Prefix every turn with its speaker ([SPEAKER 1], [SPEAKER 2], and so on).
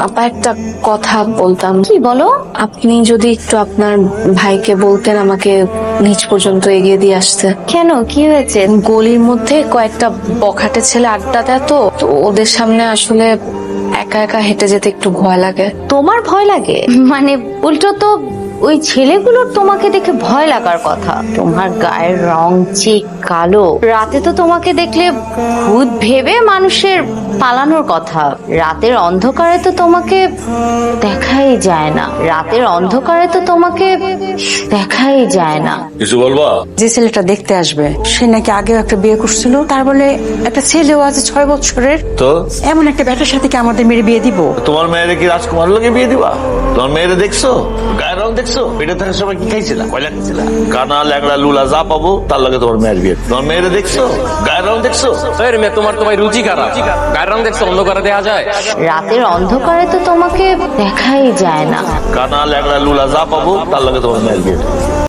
[SPEAKER 1] আপা একটা কথা বলতাম।
[SPEAKER 2] কি বলো?
[SPEAKER 1] আপনি যদি একটু আপনার ভাইকে বলতেন আমাকে নিচ পর্যন্ত এগিয়ে দিয়ে আসতে।
[SPEAKER 2] কেন, কি হয়েছে?
[SPEAKER 1] গলির মধ্যে কয়েকটা বখাটে ছেলে আড্ডা দেয়, তো ওদের সামনে আসলে একা একা হেঁটে যেতে একটু ভয় লাগে।
[SPEAKER 2] তোমার ভয় লাগে? মানে উল্টো তো ওই ছেলেগুলোর তোমাকে দেখে ভয় লাগার কথা। তোমার গায়ের রং যে কালো, রাতে তো তোমাকে দেখলে ভূত ভেবে মানুষের পালানোর কথা। রাতের অন্ধকারে তো তোমাকে দেখাই যায় না। রাতের অন্ধকারে তো তোমাকে দেখাই যায় না।
[SPEAKER 3] কিছু বলবা?
[SPEAKER 4] যে ছেলেটা দেখতে আসবে সে নাকি আগেও একটা বিয়ে করছিল, তার বলে একটা ছেলেও আছে 6 বছরের।
[SPEAKER 3] তো
[SPEAKER 4] এমন একটা ব্যাটার সাথে কি আমাদের মেয়ের বিয়ে দিব?
[SPEAKER 3] তোমার মেয়েরে কি রাজকুমার লোকে বিয়ে দিবা? তোমার মেয়েরে দেখছো? গায়ের রং দেখছো? পেটে থাকার সময় কি খাইছিলা? কয়লা খাইছিলা? কানা ল্যাংড়া লুলা যা পাবো তার লাগে তোমার মেয়ের বিয়ে। তোমার মেয়েরে দেখছো? গায়ের রং দেখছো?
[SPEAKER 5] তোমার রুচি খারাপ। গায়ের রং দেখছো, অন্ধকারে দেয়া যায়?
[SPEAKER 2] রাতের অন্ধকারে তো তোমাকে দেখাই যায় না।
[SPEAKER 3] কানা ল্যাংড়া লুলা যা পাবো তার লাগে তোমার মেয়ের বিয়ে।